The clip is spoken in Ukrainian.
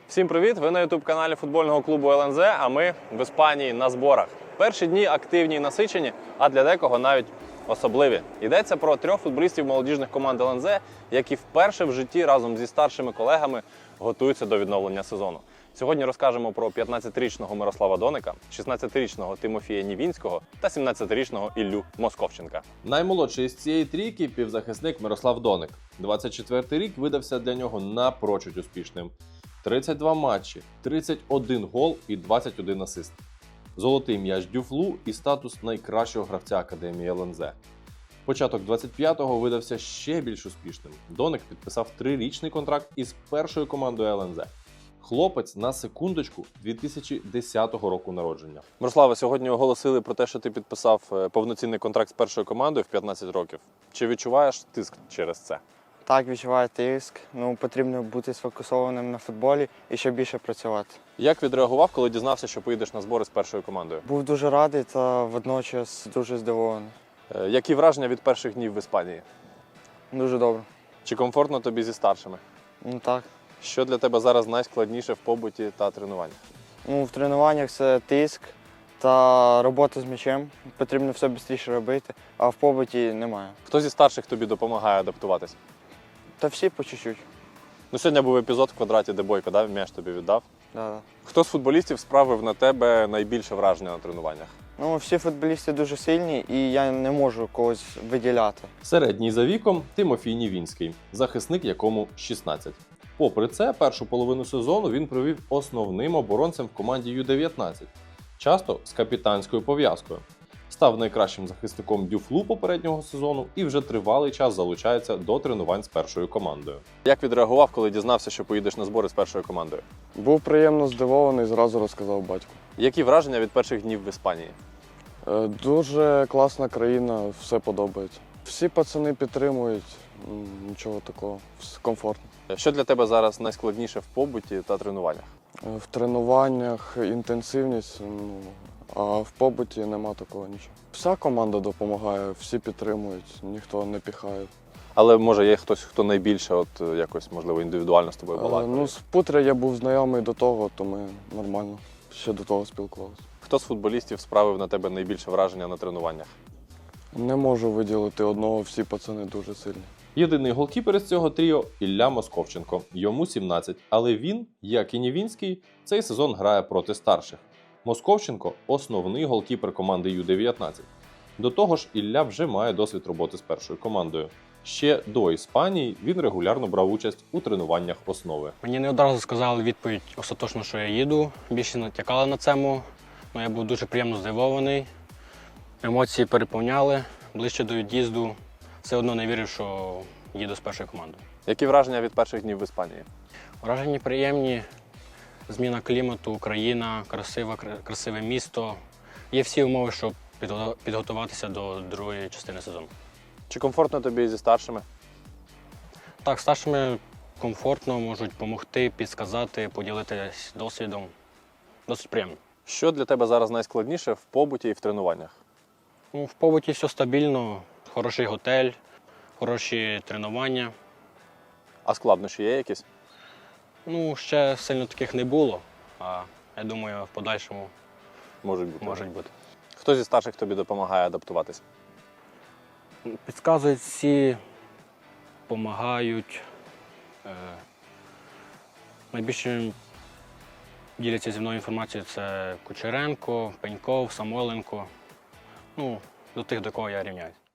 Всім привіт! Ви на ютуб-каналі футбольного клубу ЛНЗ, а ми в Іспанії на зборах. Перші дні активні і насичені, а для декого навіть особливі. Йдеться про трьох футболістів молодіжних команд ЛНЗ, які вперше в житті разом зі старшими колегами готуються до відновлення сезону. Сьогодні розкажемо про 15-річного Мирослава Доника, 16-річного Тимофія Нівінського та 17-річного Іллю Московченка. Наймолодший із цієї трійки – півзахисник Мирослав Доник. 24-й рік видався для нього напрочуд успішним. 32 матчі, 31 гол і 21 асист. Золотий м'яч Дюфлу і статус найкращого гравця Академії ЛНЗ. Початок 25-го видався ще більш успішним. Доник підписав 3-річний контракт із першою командою ЛНЗ. Хлопець, на секундочку, 2010 року народження. Мирослава, сьогодні оголосили про те, що ти підписав повноцінний контракт з першою командою в 15 років. Чи відчуваєш тиск через це? Так, відчуваю тиск. Потрібно бути сфокусованим на футболі і ще більше працювати. Як відреагував, коли дізнався, що поїдеш на збори з першою командою? Був дуже радий та водночас дуже здивований. Які враження від перших днів в Іспанії? Дуже добре. Чи комфортно тобі зі старшими? Так. Що для тебе зараз найскладніше в побуті та тренуваннях? В тренуваннях це тиск та робота з м'ячем. Потрібно все швидше робити, а в побуті немає. Хто зі старших тобі допомагає адаптуватись? Та всі по чуть-чуть. Сьогодні був епізод в квадраті, де Бойко м'яч тобі віддав. Да. Хто з футболістів справив на тебе найбільше враження на тренуваннях? Всі футболісти дуже сильні і я не можу когось виділяти. Середній за віком Тимофій Нівінський, захисник якому 16. Попри це, першу половину сезону він провів основним оборонцем в команді Ю-19, часто з капітанською пов'язкою. Став найкращим захисником Дюфлу попереднього сезону і вже тривалий час залучається до тренувань з першою командою. Як відреагував, коли дізнався, що поїдеш на збори з першою командою? Був приємно здивований, зразу розказав батьку. Які враження від перших днів в Іспанії? Дуже класна країна, все подобається. Всі пацани підтримують, нічого такого, комфортно. Що для тебе зараз найскладніше в побуті та тренуваннях? В тренуваннях інтенсивність, а в побуті нема такого нічого. Вся команда допомагає, всі підтримують, ніхто не піхає. Але може є хтось, хто найбільше якось, можливо, індивідуально з тобою балакає? З Путря я був знайомий до того, то ми нормально ще до того спілкувалися. Хто з футболістів справив на тебе найбільше враження на тренуваннях? Не можу виділити одного, всі пацани дуже сильні. Єдиний голкіпер із цього тріо – Ілля Московченко. Йому 17, але він, як і Нівінський, цей сезон грає проти старших. Московченко – основний голкіпер команди Ю-19. До того ж, Ілля вже має досвід роботи з першою командою. Ще до Іспанії він регулярно брав участь у тренуваннях основи. Мені не одразу сказали відповідь остаточно, що я їду. Більше натякали на цьому. Я був дуже приємно здивований. Емоції переповняли. Ближче до від'їзду все одно не вірив, що їду з першою командою. Які враження від перших днів в Іспанії? Враження приємні. Зміна клімату, Україна, красиве місто. Є всі умови, щоб підготуватися до другої частини сезону. Чи комфортно тобі зі старшими? Так, старшими комфортно, можуть допомогти, підсказати, поділитися досвідом. Досить приємно. Що для тебе зараз найскладніше в побуті і в тренуваннях? В побуті все стабільно, хороший готель, хороші тренування. А складнощі є якісь? Ще сильно таких не було, а я думаю, в подальшому Можуть бути. бути. Хто зі старших тобі допомагає адаптуватись? Підказують всі, допомагають. Найбільше діляться зі мною інформацією це Кучеренко, Пеньков, Самойленко. До тих, до кого я рівняюсь.